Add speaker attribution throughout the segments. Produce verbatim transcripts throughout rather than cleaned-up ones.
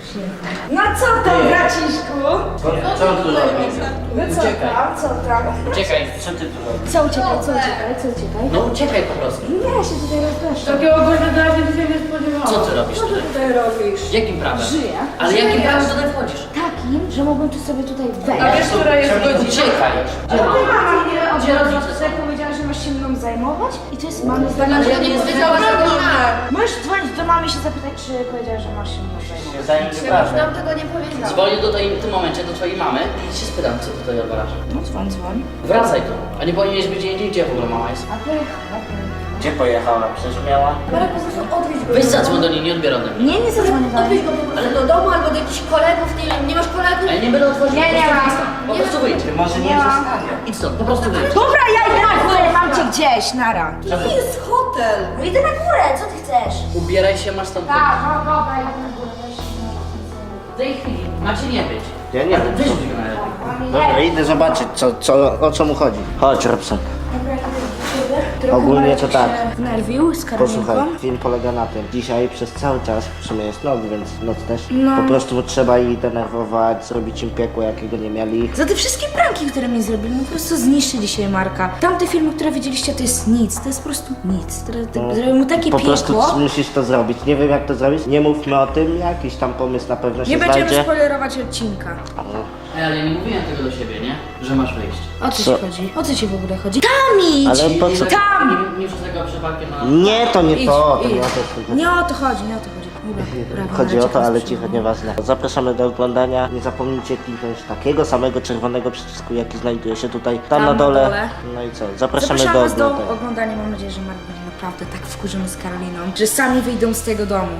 Speaker 1: No co tam, braciszku?
Speaker 2: Co tu robisz?
Speaker 1: No co tam, co tam?
Speaker 2: Uciekaj, co ty tu robisz?
Speaker 1: Co uciekaj, co uciekaj, co uciekaj?
Speaker 2: No uciekaj po prostu.
Speaker 1: Nie, ja się tutaj rozpraszam.
Speaker 3: Takiego gościa to ja się dzisiaj nie spodziewałam.
Speaker 2: Co ty robisz
Speaker 1: Co ty
Speaker 2: tutaj?
Speaker 1: tutaj robisz?
Speaker 2: Jakim prawem?
Speaker 1: Żyję.
Speaker 2: Ale jakim prawem tutaj wchodzisz?
Speaker 1: Takim, że mogłem tu sobie tutaj
Speaker 3: A
Speaker 1: wejść.
Speaker 3: wiesz, która jest godzina?
Speaker 2: Uciekaj.
Speaker 1: Ale ty mama mnie od rodzica sobie powiedziała, że masz się mną zajmować i to jest mamy zdanie, że ja nie wiedziałam, że to możesz dzwonić do mamy i się zapytać, czy powiedziała, że masz się mną zajmować.
Speaker 4: Nam tego nie powiedział.
Speaker 2: Dzwonię tutaj w tym momencie do twojej mamy i się spytam, co ty tutaj odwalasz.
Speaker 1: No dzwoń, dzwoń.
Speaker 2: Wracaj tu. A nie powinieneś być gdzie indziej, gdzie w ogóle mama jest?
Speaker 1: A pojechała,
Speaker 2: Gdzie pojechała? Przecież miała...
Speaker 4: Marek, po prostu odwiedź go.
Speaker 2: Weź zadzwoń do niej, nie odbiera ode mnie.
Speaker 1: Nie, nie zadzwonię do
Speaker 4: Odwiedź go po prostu do domu albo do jakichś kolegów, nie wiem, nie masz kolegów?
Speaker 2: Ale nie będę otworzył.
Speaker 1: Nie, nie
Speaker 2: po
Speaker 1: ma.
Speaker 2: prostu wyjdź. Po prostu wyjdź. Może
Speaker 1: nie ma.
Speaker 2: Idź stąd, po prostu wyjdź.
Speaker 1: Dobra, ja idę na górę, mam cię gdzieś, nara.
Speaker 4: To jest hotel.
Speaker 1: No idę na górę, co ty chcesz?
Speaker 2: Ubieraj się, masz stąd wyjść.
Speaker 1: Tak, no dobra, idę na górę, weź
Speaker 2: W tej chwili macie nie być.
Speaker 5: Ja nie
Speaker 2: Ale
Speaker 5: wiem.
Speaker 2: wyjdź go najlepiej.
Speaker 5: Dobra, idę zobaczyć, co, co, o co mu chodzi. Chodź, Robson.
Speaker 1: Dobra, idę do ciebie. Trochę
Speaker 5: Ogólnie
Speaker 1: Marek
Speaker 5: to tak.
Speaker 1: się wnerwił z
Speaker 5: Posłuchaj,
Speaker 1: karabinką.
Speaker 5: film polega na tym. Dzisiaj przez cały czas, w sumie jest noc, więc noc też.
Speaker 1: No.
Speaker 5: Po prostu trzeba ich denerwować, zrobić im piekło, jakiego nie mieli.
Speaker 1: Za te wszystkie pranki, które mi zrobili, no po prostu zniszczy dzisiaj Marka. Tamte filmy, które widzieliście, to jest nic, to jest po prostu nic. Teraz
Speaker 5: No,
Speaker 1: zrobił mu takie
Speaker 5: po prostu
Speaker 1: piekło.
Speaker 5: musisz to zrobić. Nie wiem jak to zrobić. Nie mówmy o tym, jakiś tam pomysł na pewno się
Speaker 1: Nie będziemy
Speaker 5: znajdzie.
Speaker 1: spoilerować odcinka.
Speaker 2: Ej, ale ja nie mówiłem tego do siebie, nie? Że masz wyjść.
Speaker 1: O co
Speaker 5: Co?
Speaker 1: ci chodzi? O co ci w ogóle chodzi? Tam idź!
Speaker 5: Ale po co?
Speaker 1: Tam!
Speaker 2: Nie, nie przez tego przypadkiem na...
Speaker 5: Nie, to nie
Speaker 1: Idź,
Speaker 5: to, to
Speaker 1: idź.
Speaker 5: nie o to chodzi.
Speaker 1: Nie o to chodzi, nie o to chodzi. Dobra, dobra,
Speaker 5: Chodzi
Speaker 1: Marek,
Speaker 5: o to, ale
Speaker 1: teraz
Speaker 5: cicho,
Speaker 1: przyjdę.
Speaker 5: nieważne. Zapraszamy do oglądania. Nie zapomnijcie kliknąć takiego samego czerwonego przycisku, jaki znajduje się tutaj, tam,
Speaker 1: Tam
Speaker 5: na
Speaker 1: na
Speaker 5: dole.
Speaker 1: dole.
Speaker 5: No i co? Zapraszamy,
Speaker 1: Zapraszamy was
Speaker 5: do
Speaker 1: do
Speaker 5: oglądania.
Speaker 1: oglądania. Mam nadzieję, że Marek będzie naprawdę tak wkurzony z Karoliną, że sami wyjdą z tego domu.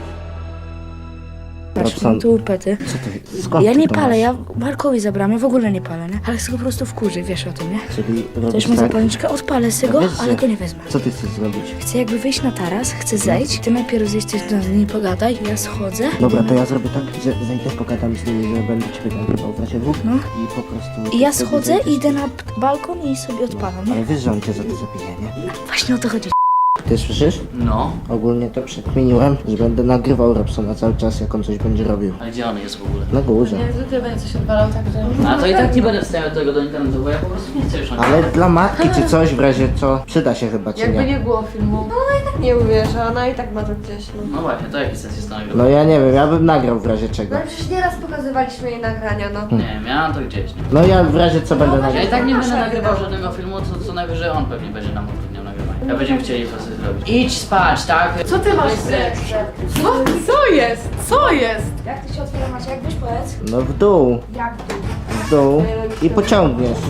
Speaker 1: Patrz,
Speaker 5: Robson.
Speaker 1: mam tu pety.
Speaker 5: Co ty? Skąd
Speaker 1: Ja
Speaker 5: ty
Speaker 1: nie
Speaker 5: to
Speaker 1: palę,
Speaker 5: masz?
Speaker 1: ja Markowi zabrałem, ja w ogóle nie palę, nie? Ale chcę go po prostu wkurzy, wiesz o tym, nie?
Speaker 5: Czyli
Speaker 1: Chcesz
Speaker 5: robisz
Speaker 1: mu
Speaker 5: tak?
Speaker 1: zapalniczkę? Odpalę sobie go,
Speaker 5: Wiesz,
Speaker 1: ale
Speaker 5: że-
Speaker 1: go nie wezmę.
Speaker 5: Co ty chcesz zrobić?
Speaker 1: Chcę jakby wyjść na taras, chcę zejść, ty najpierw zejść, ty z nimi pogadaj, ja schodzę.
Speaker 5: Dobra, to ja zrobię tak, że zejdę, pogadam z nimi, że będę ciebie nagrywał w razie dwóch
Speaker 1: No.
Speaker 5: i po prostu...
Speaker 1: I ja
Speaker 5: wtedy
Speaker 1: schodzę,
Speaker 5: zejdziesz.
Speaker 1: idę na balkon i sobie odpalam, nie?
Speaker 5: Ale wiesz, że on cię za to zabije, nie?
Speaker 1: Właśnie o to chodzi.
Speaker 5: Ty słyszysz?
Speaker 2: No.
Speaker 5: Ogólnie to przekminiłem, że będę nagrywał Robsona cały czas, jak on coś będzie robił.
Speaker 2: Ale gdzie on jest w ogóle?
Speaker 5: Na górze.
Speaker 3: Jak zwykle będzie coś odwalał, także...
Speaker 2: A to i tak nie będę wstawiał tego do internetu, bo ja po prostu nie chcę już na
Speaker 5: Ale dla matki czy coś, w razie co, przyda się chyba, czy
Speaker 3: Jakby
Speaker 5: nie?
Speaker 3: nie było filmu. No ona i tak nie uwierzy, ona i tak ma to gdzieś. No.
Speaker 2: No właśnie, to jaki sens jest to nagrywać?
Speaker 5: No ja nie wiem, ja bym nagrał w razie czego.
Speaker 4: No przecież nieraz pokazywaliśmy jej nagrania, no.
Speaker 2: Nie, miałam to gdzieś. Nie?
Speaker 5: No ja w razie co będę
Speaker 2: Ja
Speaker 5: nagrywał.
Speaker 2: i tak nie będę nagrywał żadnego filmu, to co najwyżej on pewnie będzie nam utrudniał nagrywanie. Ja będziemy chcieli to sobie zrobić. Idź spać, tak?
Speaker 3: Co ty masz seks? Co? Co jest? Co jest?
Speaker 1: Jak ty się otwiera, Macie? Jak byś powiedz?
Speaker 5: No w dół,
Speaker 1: Jak tu?
Speaker 5: w dół i pociągniesz.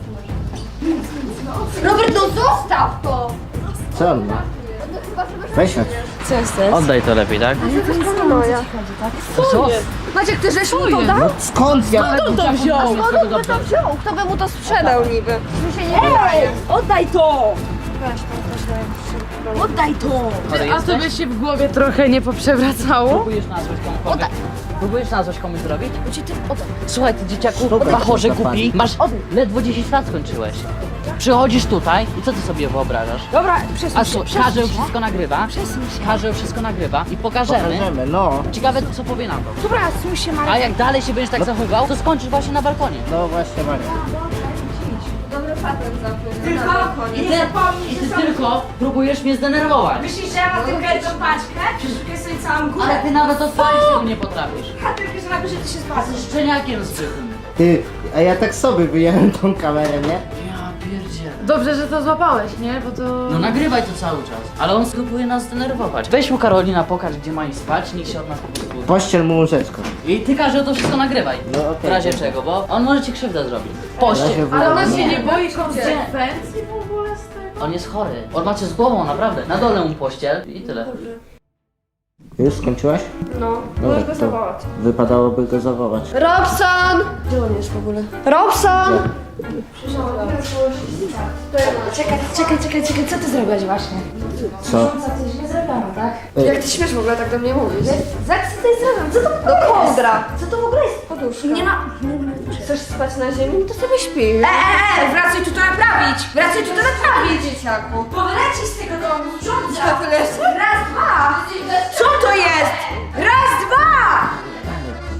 Speaker 4: Robert, no zostaw to!
Speaker 5: Co on ma? Weź chodź.
Speaker 1: Co jest to?
Speaker 2: Oddaj to lepiej, tak?
Speaker 4: Moja.
Speaker 2: Co?
Speaker 4: Maciek, ty żeś mu to dał?
Speaker 5: Skąd ja?
Speaker 3: Kto to wziął?
Speaker 4: Skąd on by to wziął? Kto by mu to sprzedał niby? Mi się nie wydaje.
Speaker 1: Oddaj to! Oddaj to!
Speaker 3: A tobie się w głowie trochę nie poprzewracało?
Speaker 2: Próbujesz nazwać komuś Próbujesz nazwać komuś zrobić?
Speaker 1: Bo ci ty... Oddaj.
Speaker 2: Słuchaj, ty dzieciaku,
Speaker 5: Dobra,
Speaker 2: bachorze
Speaker 5: kurwa,
Speaker 2: głupi, masz ledwo dziesięć lat skończyłeś. Przychodzisz tutaj i co ty sobie wyobrażasz?
Speaker 1: Dobra,
Speaker 2: A
Speaker 1: przesuń się,
Speaker 2: słuchaj,
Speaker 1: przesuń
Speaker 2: Karzeł
Speaker 1: się.
Speaker 2: wszystko nagrywa,
Speaker 1: Przesuń się.
Speaker 2: Karzeł wszystko nagrywa i pokażemy.
Speaker 5: Pokażemy, no.
Speaker 2: Ciekawe co powie na to.
Speaker 1: Dobra, suń się, Marek.
Speaker 2: A jak dalej się będziesz tak zachowywał, to skończysz właśnie na balkonie.
Speaker 5: No właśnie, Maria.
Speaker 4: Dobry patent zamknął.
Speaker 1: Tylko
Speaker 2: I
Speaker 1: nie
Speaker 2: ty,
Speaker 1: zapomnij,
Speaker 2: i
Speaker 1: że
Speaker 2: ty
Speaker 1: są...
Speaker 2: tylko próbujesz mnie zdenerwować.
Speaker 1: Myślisz, że ja mam tylko jedną paczkę? Przeszukuję sobie całą górę.
Speaker 2: Ale ty nawet odpalić tego nie potrafisz.
Speaker 1: A ty wiesz, że napiszę, ty się zbawisz.
Speaker 2: Jesteś szczeniakiem zwykłym.
Speaker 5: Ty, a ja tak sobie wyjąłem tą kamerę, nie?
Speaker 2: Ja pierdzielę.
Speaker 3: Dobrze, że to złapałeś, nie? Bo to...
Speaker 2: No nagrywaj to cały czas. Ale on próbuje nas zdenerwować. Weź mu Karolina, pokaż gdzie ma iść spać, niech się od nas po prostu...
Speaker 5: Pościel mu łóżeczko.
Speaker 2: I ty Karzeł to wszystko nagrywaj.
Speaker 5: No okej.
Speaker 2: W razie czego, bo on może ci krzywdę zrobić.
Speaker 5: W
Speaker 2: Poście.
Speaker 5: razie
Speaker 3: Ale ona
Speaker 5: w-
Speaker 3: się nie boi konsekwencji w ogóle z tego?
Speaker 2: On jest chory. On macie z głową, naprawdę. Na dole mu pościel i tyle.
Speaker 5: Już skończyłaś?
Speaker 4: No,
Speaker 5: Dobra,
Speaker 4: możesz go
Speaker 5: to
Speaker 4: zawołać.
Speaker 5: wypadałoby go zawołać.
Speaker 4: Robson! Gdzie on jest w ogóle? Robson!
Speaker 1: Czekaj, czekaj, czekaj, czekaj, co ty zrobiłeś właśnie?
Speaker 5: Co?
Speaker 1: Co ty źle zrobiono, tak?
Speaker 4: Jak ty śmiesz w ogóle tak do mnie mówić?
Speaker 1: Zak, co ty zrobiłeś? Co to w
Speaker 4: No
Speaker 1: ogóle jest?
Speaker 4: kołdra!
Speaker 1: Co to w ogóle jest?
Speaker 4: Poduszka.
Speaker 1: Nie ma...
Speaker 4: Chcesz spać na ziemi? To sobie śpi.
Speaker 1: E, e, e, wracaj tu to naprawić! Wracaj tu to naprawić!
Speaker 4: Dzieciaku.
Speaker 1: Bo wylecisz z tego domu, sprządza!
Speaker 4: Co ty leży?
Speaker 1: Raz, dwa! Co to jest? Raz, dwa!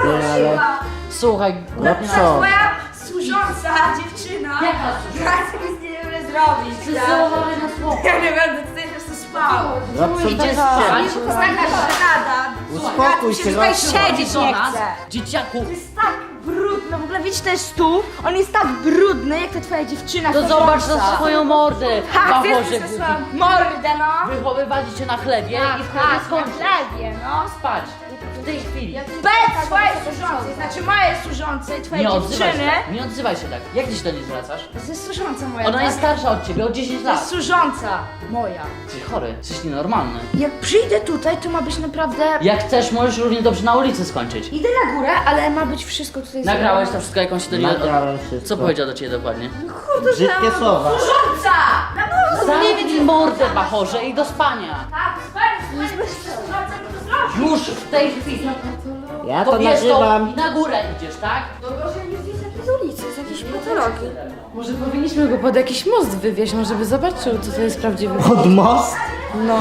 Speaker 5: Nie, ale...
Speaker 2: Słuchaj,
Speaker 5: No co?
Speaker 1: Twoja służąca dziewczyna.
Speaker 2: Jaka
Speaker 1: Ja sobie nic nie wiem zrobić.
Speaker 2: Ty załamany na słowo.
Speaker 1: Ja nie będę tutaj po prostu spał.
Speaker 5: Robson,
Speaker 2: Idzie
Speaker 5: tak
Speaker 2: spać.
Speaker 1: To jest taka żenada.
Speaker 5: Uspokój
Speaker 1: Ja
Speaker 5: się,
Speaker 1: tu się tutaj
Speaker 5: Robson.
Speaker 1: siedzieć
Speaker 2: Do
Speaker 1: nie
Speaker 2: nas,
Speaker 1: chcę.
Speaker 2: dzieciaku.
Speaker 1: To jest tak brudno, w ogóle widzisz ten stół? On jest tak brudny, jak ta twoja dziewczyna.
Speaker 2: To
Speaker 1: chodząca.
Speaker 2: zobacz na swoją mordę.
Speaker 1: Tak, ty
Speaker 2: Bachorze,
Speaker 1: jesteś swoją mordę, no.
Speaker 2: wychowywać cię na chlebie
Speaker 1: Tak,
Speaker 2: i
Speaker 1: tak,
Speaker 2: wtedy
Speaker 1: na
Speaker 2: skończysz
Speaker 1: chlebie, no.
Speaker 2: spać. W tej chwili.
Speaker 1: Bez twojej służącej, znaczy mojej służącej, twojej
Speaker 2: Nie odzywaj się
Speaker 1: dziewczyny.
Speaker 2: tak. Nie odzywaj się tak. Jak ty się do niej zwracasz?
Speaker 1: To jest służąca moja,
Speaker 2: Ona
Speaker 1: tak?
Speaker 2: jest starsza od ciebie o dziesięć
Speaker 1: To jest
Speaker 2: lat.
Speaker 1: służąca moja.
Speaker 2: Jesteś chory, jesteś nienormalny.
Speaker 1: Jak przyjdę tutaj, to ma być naprawdę...
Speaker 2: Jak chcesz, możesz równie dobrze na ulicy skończyć.
Speaker 1: Idę na górę, ale ma być wszystko tutaj
Speaker 2: Nagrałeś to
Speaker 1: zrobione.
Speaker 2: wszystko, jak on się do niej...
Speaker 5: Nagrałem wszystko.
Speaker 2: Co powiedział do ciebie dokładnie?
Speaker 5: Brzydkie słowa.
Speaker 1: Służąca! Na pewno
Speaker 2: Zamknij mordę, Bachorze, i do spania.
Speaker 1: Tak, spędź, spędź, służąca mi to zrobi.
Speaker 2: Już w tej chwili.
Speaker 5: Ja to
Speaker 2: To wiesz to
Speaker 5: nagrywam.
Speaker 2: i na górę idziesz, tak?
Speaker 3: Z ulicy, z jakiejś patologii. Może powinniśmy go pod jakiś most wywieźć, może by zobaczył, co to jest prawdziwy.
Speaker 5: Pod most?
Speaker 3: No.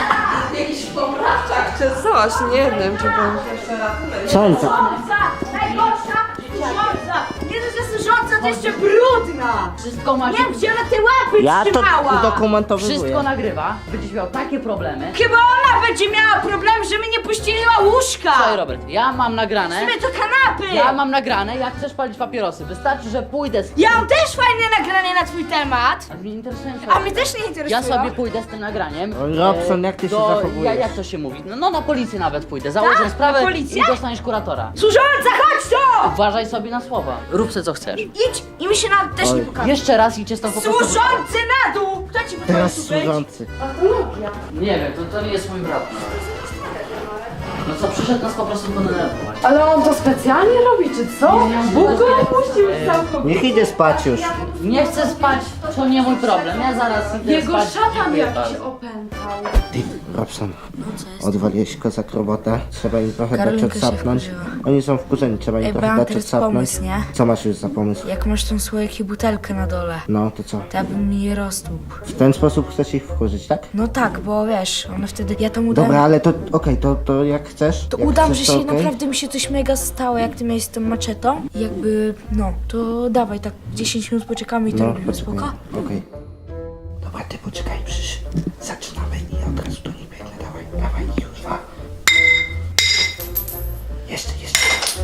Speaker 3: Czy coś, nie wiem, czy pan...
Speaker 5: Co on to?
Speaker 1: Służąca! Najgorsza służąca! Nie dość, że służąca, to jeszcze brudna!
Speaker 2: Wszystko ma
Speaker 1: Nie
Speaker 2: się...
Speaker 1: wiem, gdzie ona te łapy
Speaker 5: Ja to
Speaker 1: trzymała!
Speaker 5: udokumentowuję.
Speaker 2: Wszystko nagrywa. Będziesz miał takie problemy.
Speaker 1: Chyba ona będzie miała problem, że mi nie pościeliła łóżka!
Speaker 2: Słuchaj, Robert, ja mam nagrane.
Speaker 1: My to kanapy!
Speaker 2: Ja mam nagrane, jak chcesz palić papierosy. Wystarczy, że pójdę z...
Speaker 1: Ja mam też fajne nagranie na twój temat!
Speaker 2: A mnie interesuje
Speaker 1: A mnie też nie interesuje.
Speaker 2: Ja sobie pójdę z tym nagraniem.
Speaker 5: O, Robson, jak ty się
Speaker 2: do-
Speaker 5: zachowujesz?
Speaker 2: Ja, jak to się mówi? No, no na policję nawet pójdę. Założę
Speaker 1: Tak?
Speaker 2: sprawę
Speaker 1: Na policję?
Speaker 2: i dostaniesz kuratora.
Speaker 1: Służąca, chodź tu!
Speaker 2: Uważaj sobie na słowa. Rób se co chcesz.
Speaker 1: Idź i mi się na też nie
Speaker 5: Oj.
Speaker 1: pokaże.
Speaker 2: Jeszcze raz idźcie stąd po prostu.
Speaker 1: Służący na dół! Kto ci
Speaker 5: Teraz
Speaker 1: pozwolił tu być?
Speaker 5: służący.
Speaker 2: Nie wiem, to, to nie jest mój brat. No co, przyszedł nas po prostu podenerwować.
Speaker 3: Ale on to specjalnie robi, czy co? Bóg go opuścił całkowicie.
Speaker 5: Niech idzie spać już.
Speaker 2: Nie chcę spać, to nie mój problem. Ja zaraz idę
Speaker 3: Jego
Speaker 2: spać.
Speaker 3: szatan
Speaker 2: Dziękuję
Speaker 3: jakiś
Speaker 2: bardzo.
Speaker 3: opętał.
Speaker 5: Ty, Robson, odwaliłeś kozak robotę. Trzeba im trochę dać
Speaker 1: Karolinka się
Speaker 5: odsapnąć.
Speaker 1: wkurzyła.
Speaker 5: Oni są wkurzeni, trzeba im
Speaker 1: Ej, bo
Speaker 5: trochę
Speaker 1: mam
Speaker 5: dać
Speaker 1: teraz
Speaker 5: odsapnąć.
Speaker 1: pomysł, nie?
Speaker 5: Co masz już za pomysł?
Speaker 1: Jak masz tą słoik i butelkę na dole,
Speaker 5: No, to co?
Speaker 1: to ja bym mi je roztłukł.
Speaker 5: W ten sposób chcesz ich wkurzyć, tak?
Speaker 1: No tak, bo wiesz, one wtedy, ja to udam,
Speaker 5: Dobra, ale to okej, to, to jak chcesz?
Speaker 1: to
Speaker 5: jak
Speaker 1: udam,
Speaker 5: chcesz,
Speaker 1: że
Speaker 5: to
Speaker 1: się
Speaker 5: okej?
Speaker 1: naprawdę mi się coś mega stało, jak ty miałeś z tą maczetą. I jakby, no, to dawaj, tak dziesięć minut poczekamy i to
Speaker 5: No,
Speaker 1: robimy,
Speaker 5: poczekaj.
Speaker 1: spoko?
Speaker 5: Okej. Dobra, ty poczekaj, przecież zaczynamy i od razu do niej biegnę. Dawaj, dawaj, już dwa. Jeszcze, jeszcze.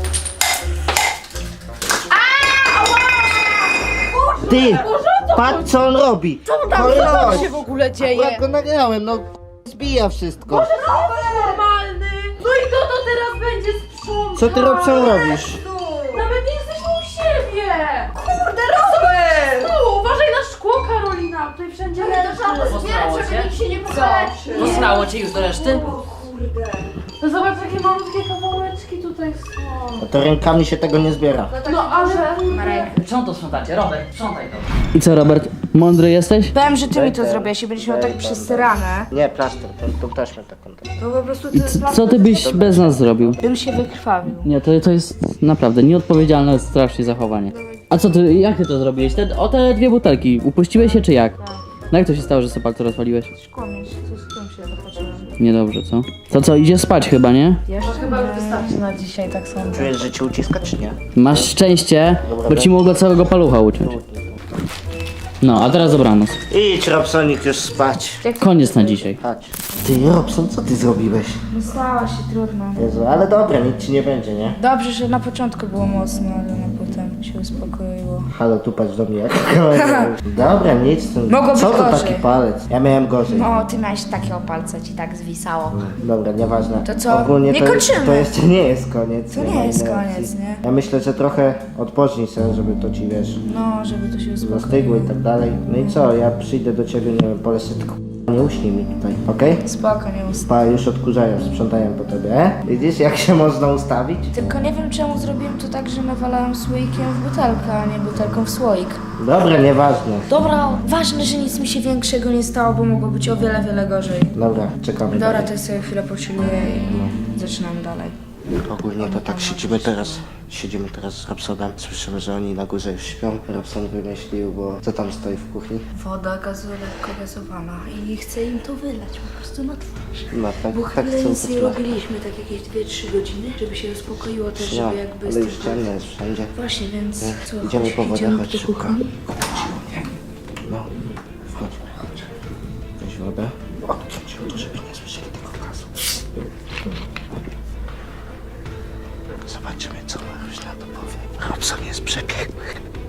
Speaker 5: Ty! Patrz co on robi! Co
Speaker 3: Tam co się w ogóle
Speaker 5: Ja
Speaker 3: dzieje?
Speaker 5: go nagrałem, no zbija wszystko.
Speaker 3: Normalny! No i kto to teraz będzie sprzątał?
Speaker 5: Co ty, Robson, robisz?
Speaker 3: Nawet nie jesteśmy u siebie! Kurde, Robert! Tu, uważaj na szkło, Karolina, tutaj wszędzie leży.
Speaker 2: Posrało cię?
Speaker 3: się nie pokaleczy.
Speaker 2: Posrało cię już do reszty?
Speaker 3: No zobacz, jakie malutkie kawałeczki tutaj są.
Speaker 5: No to rękami się tego nie zbiera.
Speaker 3: No ale...
Speaker 2: Czemu to sprzątacie? Robert, sprzątaj to. I co, Robert? Mądry jesteś?
Speaker 1: Powiem, że ty mi to
Speaker 5: Daj,
Speaker 1: zrobiłeś i będziesz miał tak
Speaker 5: daj,
Speaker 1: przesrane.
Speaker 5: Nie, plaster, tą, tą taśmę taką.
Speaker 1: To po prostu ty
Speaker 2: Co ty byś bez nas zrobił?
Speaker 1: bym się wykrwawił.
Speaker 2: Nie, to, to jest naprawdę nieodpowiedzialne strasznie zachowanie. A co ty, jak ty to zrobiłeś? Te, o te dwie butelki, upuściłeś się czy jak? No jak to się stało, że sobie palce rozwaliłeś?
Speaker 1: Szkło mi się, coś szkłem się zapatrzyłem.
Speaker 2: Niedobrze, co? To co, idzie spać chyba, nie?
Speaker 1: Jeszcze
Speaker 3: Chyba już wystarczy na dzisiaj, tak sądzę.
Speaker 5: Czujesz, że cię uciska, czy nie?
Speaker 2: Masz szczęście, bo ci mogło całego palucha uciąć. No, a teraz dobranoc.
Speaker 5: Idź, Robsonik, już spać.
Speaker 2: Koniec na dzisiaj.
Speaker 5: Chodź. Ty, Robson, co ty zrobiłeś?
Speaker 1: No stało się trudno.
Speaker 5: Jezu, ale dobra, nic ci nie będzie, nie?
Speaker 1: Dobrze, że na początku było mocno, ale na potem się uspokoiło.
Speaker 5: Halo, tu patrz do mnie, jak dobra, nic. To,
Speaker 1: Mogło
Speaker 5: co
Speaker 1: być
Speaker 5: to
Speaker 1: gorzej.
Speaker 5: taki palec? Ja miałem gorzej.
Speaker 1: No, ty miałeś takiego palca, ci tak zwisało.
Speaker 5: Dobra, nieważne.
Speaker 1: To co?
Speaker 5: Ogólnie
Speaker 1: Nie
Speaker 5: to,
Speaker 1: kończymy.
Speaker 5: to jeszcze nie jest koniec.
Speaker 1: To nie
Speaker 5: ma
Speaker 1: jest
Speaker 5: innej
Speaker 1: koniec,
Speaker 5: opcji.
Speaker 1: nie?
Speaker 5: Ja myślę, że trochę odpocznij sobie, żeby to ci, wiesz,
Speaker 1: No, żeby to się
Speaker 5: zastygło
Speaker 1: uspokoiło.
Speaker 5: i tak dalej. No i co, ja przyjdę do ciebie, nie wiem, polę się tylko nie uśnij mi tutaj, okej?
Speaker 1: Spoko, nie ust.
Speaker 5: Pa, już odkurzają, sprzątają po tobie, e? Widzisz, jak się można ustawić?
Speaker 1: Tylko nie wiem, czemu zrobiłem to tak, że nawalałem słoikiem w butelkę, a nie butelką w słoik.
Speaker 5: Dobra, nieważne.
Speaker 1: Dobra, ważne, że nic mi się większego nie stało, bo mogło być o wiele, wiele gorzej.
Speaker 5: Dobra, czekamy
Speaker 1: Dobra,
Speaker 5: dalej.
Speaker 1: to ja sobie chwilę pochilluję i zaczynamy dalej.
Speaker 5: Ogólnie to tak siedzimy teraz, siedzimy teraz z Robsonem. Słyszymy, że oni na górze już śpią. Robson wymyślił, bo co tam stoi w kuchni?
Speaker 1: Woda gazu lekko gazowana i chcę im to wylać po prostu na twarz.
Speaker 5: No tak,
Speaker 1: Bo
Speaker 5: tak
Speaker 1: chwilę
Speaker 5: chcą
Speaker 1: nic nie
Speaker 5: potrzebować.
Speaker 1: robiliśmy, tak jakieś dwie trzy godziny, żeby się uspokoiło też,
Speaker 5: No,
Speaker 1: żeby jakby...
Speaker 5: ale już ciemno jest wszędzie.
Speaker 1: Właśnie, więc
Speaker 5: Nie?
Speaker 1: co,
Speaker 5: Idziemy
Speaker 1: chodź,
Speaker 5: po wodę,
Speaker 1: idziemy
Speaker 5: chodź
Speaker 1: do
Speaker 5: szybko.
Speaker 1: kuchni.
Speaker 5: No, wchodźmy, chodź. Weź wodę. Odciąć ją tu, żeby nie słyszeli tego gazu. Zobaczymy, co Maruś na to powie. Robson jest przebiegły.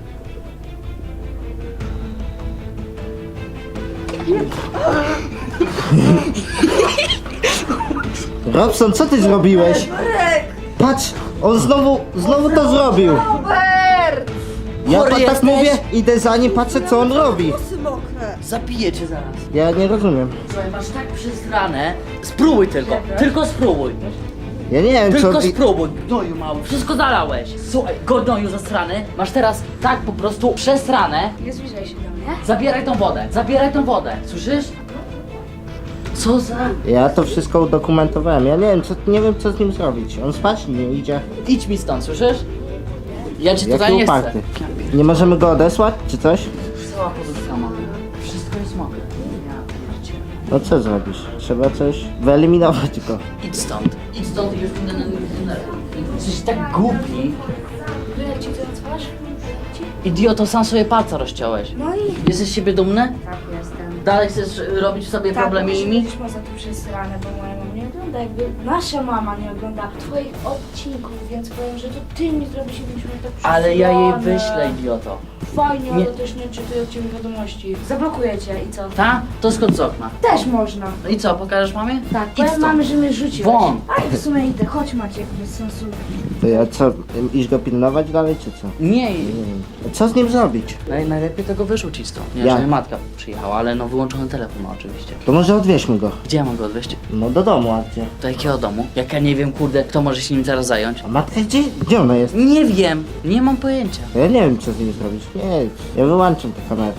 Speaker 5: Robson, co ty zrobiłeś? Patrz, on znowu, znowu to zrobił.
Speaker 4: Robert!
Speaker 5: Ja
Speaker 2: Chory
Speaker 5: pa, tak
Speaker 2: jesteś?
Speaker 5: mówię, idę za nim, patrzę co on robi.
Speaker 4: Włosy mokre.
Speaker 2: Zabiję cię zaraz.
Speaker 5: Ja nie rozumiem.
Speaker 2: Słuchaj, masz tak przysrane. Spróbuj tylko, tylko spróbuj.
Speaker 5: Ja nie wiem
Speaker 2: Tylko
Speaker 5: co... ty-
Speaker 2: spróbuj, gnoju mały, wszystko zalałeś. Słuchaj, gnoju zasrany, masz teraz tak po prostu przesrane.
Speaker 1: Nie zbliżaj się do mnie.
Speaker 2: Zabieraj tą wodę, zabieraj tą wodę, słyszysz? Co za...
Speaker 5: Ja to wszystko udokumentowałem. Ja nie wiem co, nie wiem co z nim zrobić. On spać nie idzie.
Speaker 2: Idź mi stąd, słyszysz? Ja cię tutaj
Speaker 5: Jaki
Speaker 2: nie
Speaker 5: uparty.
Speaker 2: chcę.
Speaker 5: Nie możemy go odesłać czy coś?
Speaker 2: Cała poduszka ma. Wszystko jest mokre. Ja pierdzielę.
Speaker 5: No co zrobisz? Trzeba coś wyeliminować go.
Speaker 2: Idź stąd. Idź stąd i już nie denerwuj. Jesteś tak głupi.
Speaker 1: Wyleć ci to na twarz?
Speaker 2: Idioto, sam sobie palca rozciąłeś.
Speaker 1: No i...
Speaker 2: Jesteś z siebie dumny?
Speaker 1: Tak, jestem.
Speaker 2: Dalej chcesz robić sobie problemy
Speaker 1: Tak,
Speaker 2: innymi?
Speaker 1: będziesz poza tym przesrane, bo moja mama nie ogląda, jakby nasza mama nie ogląda twoich odcinków, więc powiem, że to ty mi zrobisz, jakbyśmy tak
Speaker 2: Ale ja jej
Speaker 1: przesrane.
Speaker 2: wyślę, idioto.
Speaker 1: Fajnie,
Speaker 2: Nie.
Speaker 1: ale też nie czytuję od ciebie wiadomości. Zablokuję cię i co?
Speaker 2: Ta? To skąd z okna.
Speaker 1: Też można.
Speaker 2: No i co, pokażesz mamie?
Speaker 1: Tak,
Speaker 2: Idź
Speaker 1: powiem
Speaker 2: stąd.
Speaker 1: mamy, że mnie rzuciłeś.
Speaker 2: Won.
Speaker 1: A i w sumie idę, chodź Maciek, bez sensu.
Speaker 5: To ja co, iść go pilnować dalej czy co?
Speaker 2: Nie,
Speaker 5: Nie wiem. Co z nim zrobić?
Speaker 2: naj, najlepiej tego wyrzucić stąd. Nie,
Speaker 5: Jak?
Speaker 2: że matka przyjechała, ale no wyłączony telefon ma oczywiście.
Speaker 5: To może odwieźmy go.
Speaker 2: Gdzie ja mam go odwieźć?
Speaker 5: No do domu, a gdzie?
Speaker 2: Do jakiego domu? Jak ja nie wiem, kurde, kto może się nim zaraz zająć?
Speaker 5: A matka gdzie? Gdzie ona jest?
Speaker 2: Nie wiem, nie mam pojęcia.
Speaker 5: Ja nie wiem co z nim zrobić. Nie, ja wyłączam tę kamerę.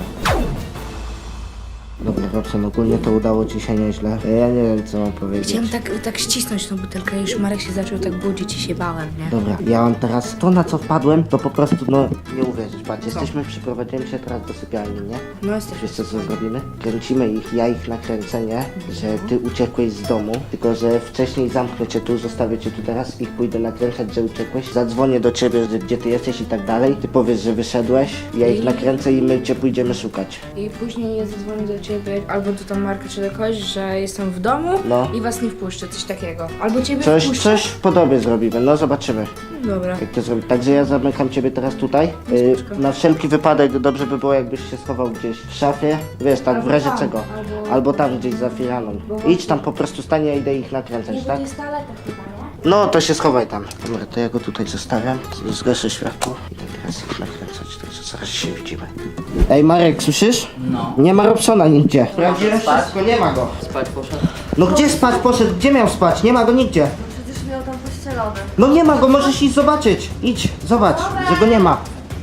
Speaker 5: Dobra, Robson, ogólnie to udało ci się nieźle. Ja nie wiem co mam powiedzieć.
Speaker 1: Chciałem tak, tak ścisnąć tą butelkę i już Marek się zaczął tak budzić i się bałem, nie?
Speaker 5: Dobra, ja mam teraz to na co wpadłem, to po prostu no nie uwierzysz, patrz, jesteśmy, przyprowadzimy się teraz do sypialni, nie?
Speaker 1: No jesteś.
Speaker 5: Wiesz co, co zrobimy? Kręcimy ich, ja ich nakręcę, nie? Że ty uciekłeś z domu, tylko że wcześniej zamknę cię tu, zostawię cię tu teraz, ich pójdę nakręcać, że uciekłeś, zadzwonię do ciebie, że gdzie ty jesteś i tak dalej, ty powiesz, że wyszedłeś, ja ich nakręcę i my cię pójdziemy szukać.
Speaker 1: I później ja zadzwonię do ciebie, albo do tam Marka czy do kogoś, że jestem w domu
Speaker 5: No.
Speaker 1: i was nie wpuszczę, coś takiego. Albo ciebie
Speaker 5: Coś,
Speaker 1: wpuszczę.
Speaker 5: coś w podobie zrobimy, no zobaczymy.
Speaker 1: Dobra.
Speaker 5: Jak to zrobić? Także ja zamykam ciebie teraz tutaj. Y, na wszelki wypadek dobrze by było, jakbyś się schował gdzieś w szafie. Wiesz, tak w
Speaker 1: Albo
Speaker 5: razie
Speaker 1: tam,
Speaker 5: czego.
Speaker 1: albo-
Speaker 5: Albo tam gdzieś za firaną.
Speaker 1: Bo-
Speaker 5: Idź tam po prostu stanie, ja idę ich
Speaker 1: Nie,
Speaker 5: nakręcać,
Speaker 1: bo
Speaker 5: tak?
Speaker 1: to jest toaleta chyba, nie?
Speaker 5: No to się schowaj tam. Dobra, to ja go tutaj zostawiam. Zgaszę światło. Idę teraz ich nakręcać, także zaraz się widzimy. Ej Marek, słyszysz?
Speaker 2: No.
Speaker 5: Nie ma Robsona nigdzie. Sprawdziłem
Speaker 2: spać?
Speaker 5: wszystko, nie ma go.
Speaker 2: Spać poszedł?
Speaker 5: No gdzie spać poszedł? Gdzie miał spać? Nie ma go nigdzie.
Speaker 4: Przecież miał tam pościelone.
Speaker 5: No nie ma go, możesz iść zobaczyć. Idź, zobacz, że go nie ma.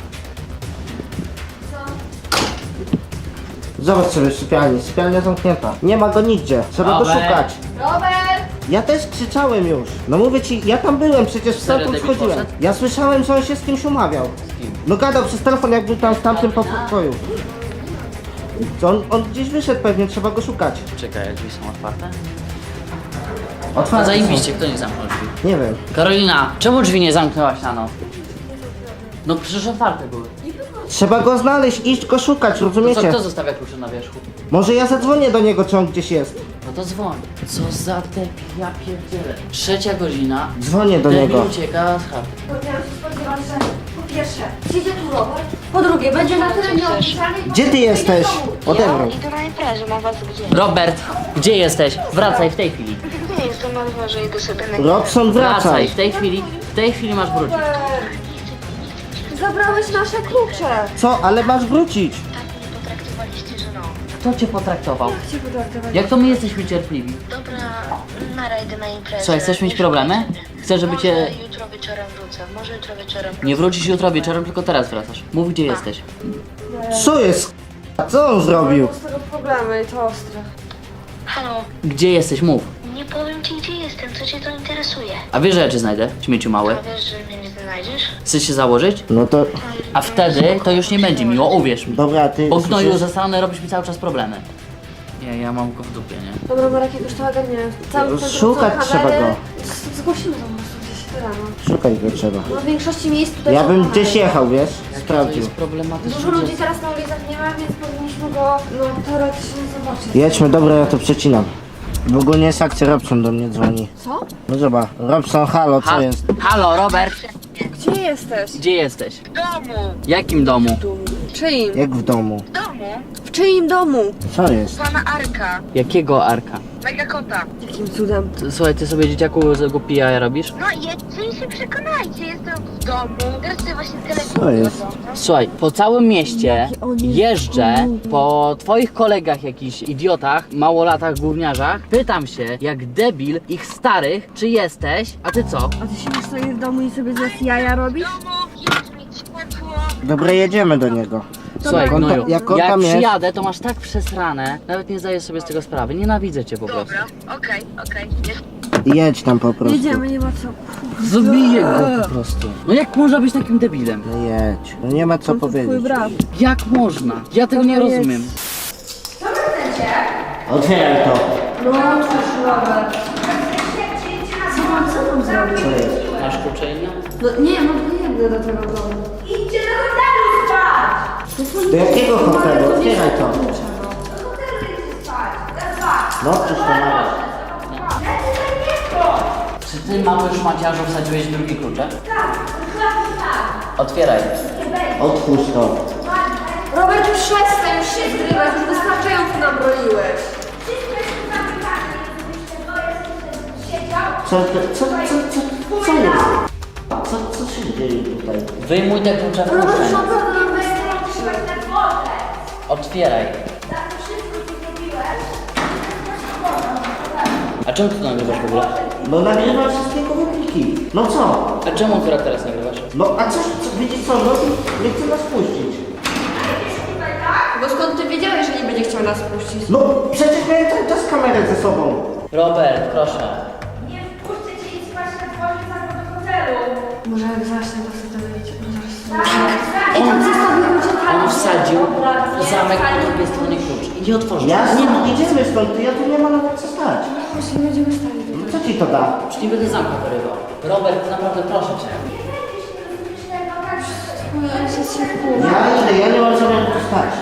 Speaker 5: Zobacz sobie w sypialni, sypialnia zamknięta. Nie ma go nigdzie, trzeba go
Speaker 2: Robert.
Speaker 5: szukać.
Speaker 4: Robert!
Speaker 5: Ja też krzyczałem już. No mówię ci, ja tam byłem, przecież
Speaker 2: Serio,
Speaker 5: stamtąd
Speaker 2: David
Speaker 5: wchodziłem.
Speaker 2: poszedł?
Speaker 5: Ja słyszałem, że on się z kimś umawiał.
Speaker 2: kim?
Speaker 5: No gadał przez telefon, jak był tam w tamtym pokoju. To on, on gdzieś wyszedł pewnie, trzeba go szukać.
Speaker 2: Czekaj, jak drzwi są otwarte? A
Speaker 5: Otwarte są.
Speaker 2: zajebiście, kto nie zamknął drzwi?
Speaker 5: Nie wiem.
Speaker 2: Karolina, czemu drzwi nie zamknęłaś na noc? No przecież otwarte były.
Speaker 5: Trzeba go znaleźć, iść go szukać,
Speaker 2: To co,
Speaker 5: rozumiecie?
Speaker 2: kto zostawia klucze na wierzchu?
Speaker 5: Może ja zadzwonię do niego, czy on gdzieś jest.
Speaker 2: No to dzwoń. Co za debil, ja pierdzielę. Trzecia godzina.
Speaker 5: Dzwonię do
Speaker 2: Debil
Speaker 5: niego.
Speaker 2: ucieka z chaty.
Speaker 4: Ja się spodziewam, że po pierwsze przyjdzie tu Robert, po drugie będzie na tyle nieopisany.
Speaker 5: Gdzie ty jesteś? Odebrał.
Speaker 6: Ja idę na imprezę, mam was gdzie?
Speaker 2: Robert, gdzie jesteś? Wracaj w tej chwili.
Speaker 6: Nie jestem na dworze, idę sobie na
Speaker 5: Robson,
Speaker 2: Wracaj,
Speaker 5: wracaj.
Speaker 2: w tej chwili. W tej chwili masz wrócić.
Speaker 4: Zabrałeś nasze klucze.
Speaker 5: Co? Ale masz wrócić.
Speaker 6: Tak mnie potraktowaliście, że no.
Speaker 2: Kto cię potraktował?
Speaker 4: Cię potraktować.
Speaker 2: Jak to my jesteśmy cierpliwi?
Speaker 6: Dobra, nara idę na imprezę.
Speaker 2: Co, chcesz mieć problemy? Chcesz, żeby
Speaker 6: Może
Speaker 2: cię...
Speaker 6: jutro wieczorem wrócę, może jutro wieczorem.
Speaker 2: Nie wrócisz jutro wieczorem, tylko teraz wracasz. Mów, gdzie jesteś.
Speaker 5: Co jest? A co on zrobił?
Speaker 4: Z tego problemy i to ostre.
Speaker 6: Halo,
Speaker 2: Gdzie jesteś? Mów.
Speaker 6: nie powiem ci gdzie jestem, co cię to interesuje.
Speaker 2: A wiesz, że ja cię znajdę? Śmieciu mały.
Speaker 6: A wiesz, że mnie nie znajdziesz?
Speaker 2: Chcesz się założyć?
Speaker 5: No to,
Speaker 2: A wtedy to już nie będzie miło, uwierz mi.
Speaker 5: dobra, ty
Speaker 2: Bo gnoju
Speaker 5: słyszysz?
Speaker 2: zasrany robisz mi cały czas problemy. Nie, ja mam go w dupie, nie?
Speaker 4: Dobra, Marek, jak już to ogarnię. Cały ten
Speaker 5: Szukać
Speaker 4: kamery.
Speaker 5: trzeba go.
Speaker 4: Z- Zgłosimy to po prostu gdzieś rano.
Speaker 5: Szukaj go trzeba.
Speaker 4: No w większości miejsc tutaj
Speaker 5: Ja
Speaker 4: są
Speaker 5: bym
Speaker 4: kamery.
Speaker 5: gdzieś jechał, wiesz?
Speaker 2: To
Speaker 5: Sprawdził.
Speaker 2: jest problematyczne.
Speaker 4: Dużo ludzi teraz na ulicach nie ma, więc powinniśmy go, no teoretycznie zobaczyć.
Speaker 5: Jedźmy, dobra, ja to przecinam. W ogóle nie jest akcja, Robson do mnie dzwoni.
Speaker 4: Co?
Speaker 5: No zobacz, Robson, halo, co
Speaker 2: Ha-
Speaker 5: jest?
Speaker 2: Halo, Robert!
Speaker 4: Gdzie jesteś?
Speaker 2: Gdzie jesteś?
Speaker 6: W domu!
Speaker 2: Jakim domu?
Speaker 4: W czyim?
Speaker 5: Jak w domu?
Speaker 6: W domu?
Speaker 4: W czyim domu?
Speaker 5: Co jest?
Speaker 6: Pana Arka,
Speaker 2: Jakiego Arka?
Speaker 6: mega kota.
Speaker 4: Jakim cudem?
Speaker 2: Ty- Słuchaj, ty sobie dzieciaku z głupi jaja robisz?
Speaker 6: No jedźcie i się przekonajcie, jestem w domu. Teraz sobie właśnie telefon.
Speaker 5: Co jest?
Speaker 2: Słuchaj, po całym mieście jeżdżę po twoich kolegach jakichś idiotach, małolatach, gówniarzach, pytam się, jak debil ich starych, czy jesteś, a ty co?
Speaker 4: A ty siedzisz sobie w domu i sobie z nas jaja robisz?
Speaker 6: W domu jest mi ciepło.
Speaker 5: Dobra, jedziemy do niego.
Speaker 2: Słuchaj,
Speaker 5: Jak on
Speaker 2: gnoju,
Speaker 5: ta- jak on
Speaker 2: jak
Speaker 5: tam jest?
Speaker 2: przyjadę, to masz tak przesrane, nawet nie zdajesz sobie z tego sprawy, nienawidzę cię po prostu.
Speaker 6: Dobra, okej, okej. Jest
Speaker 5: Jedź tam po prostu.
Speaker 4: Jedziemy, nie ma co.
Speaker 2: Zabiję go po prostu. No jak można być takim debilem?
Speaker 5: No jedź. No nie ma co
Speaker 4: Twój
Speaker 5: powiedzieć.
Speaker 4: brat.
Speaker 2: Jak można? Ja tego nie
Speaker 4: Dobra, jedź.
Speaker 2: rozumiem.
Speaker 5: Otwieraj to.
Speaker 4: No, cóż, Robert.
Speaker 5: Co jest?
Speaker 2: Masz klucze inne?
Speaker 4: No nie, no to nie idę do tego domu.
Speaker 1: Idźcie do hotelu spać!
Speaker 5: Do jakiego hotelu? Otwieraj to.
Speaker 1: Do hotelu idźcie spać! Raz, dwa!
Speaker 5: No, przecież to nawet.
Speaker 2: Czy ty, mały szmaciarzu, wsadziłeś drugi klucze?
Speaker 1: Tak, dokładnie tak!
Speaker 2: Otwieraj.
Speaker 5: Otwórz to.
Speaker 4: Robert, już przestań, już się zgrywać, już wystarczająco nam broiłeś.
Speaker 1: Wszystko jest zamykane, żebyście boję siedział.
Speaker 5: Co, co, co, co, co, co jest? Co, co się dzieje tutaj?
Speaker 2: Wyjmuj te klucze w
Speaker 4: Robert,
Speaker 2: kieszeni.
Speaker 4: naprawdę nam
Speaker 1: Trzymać
Speaker 4: wystarczy.
Speaker 1: na wodę!
Speaker 2: Otwieraj.
Speaker 1: Za to wszystko, co zrobiłeś,
Speaker 2: A czemu ty to nagrywasz w ogóle?
Speaker 5: No nagrywam wszystkie komórki. No co?
Speaker 2: A czemu akurat teraz nagrywasz?
Speaker 5: No a coś, co, widzisz co, no nie chce nas puścić.
Speaker 4: Bo skąd ty wiedziałeś, że nie będzie chciał nas puścić?
Speaker 5: No przecież miałem cały czas kamerę ze sobą.
Speaker 2: Robert, proszę.
Speaker 1: nie wpuszczę cię i spać na dworze za do hotelu!
Speaker 4: Może jak zacznie, to sobie dowiedzieć.
Speaker 1: Tak,
Speaker 4: I tam zostawił ludzie
Speaker 2: On wsadził zamek po drugiej stronie klucz i nie otworzył.
Speaker 5: Jasne, no idziemy stąd, ja tu nie ma nawet co stać.
Speaker 4: Właśnie będziemy stali.
Speaker 5: No co ci to da?
Speaker 2: Już nie będę zamka wyrywał. Robert, naprawdę proszę cię.
Speaker 5: Ja idę, ja nie mam zamiaru tu stać.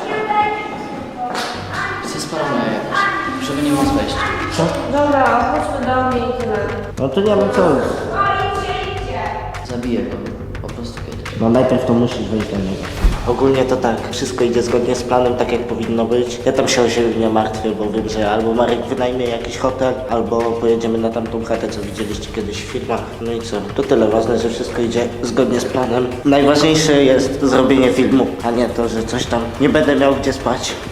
Speaker 2: To jest paranoja jakaś, żeby nie móc wejść.
Speaker 4: Dobra, chodźmy do mnie i tyle.
Speaker 5: No to nie wiem co jest.
Speaker 2: Zabiję go. Po prostu kiedyś.
Speaker 5: No najpierw to musisz wejść do niego. Ogólnie to tak, wszystko idzie zgodnie z planem, tak jak powinno być. Ja tam się o siebie nie martwię, bo wiem, że albo Marek wynajmie jakiś hotel, albo pojedziemy na tamtą chatę, co widzieliście kiedyś w filmach. No i co? To tyle ważne, że wszystko idzie zgodnie z planem. Najważniejsze jest zrobienie filmu, a nie to, że coś tam nie będę miał gdzie spać.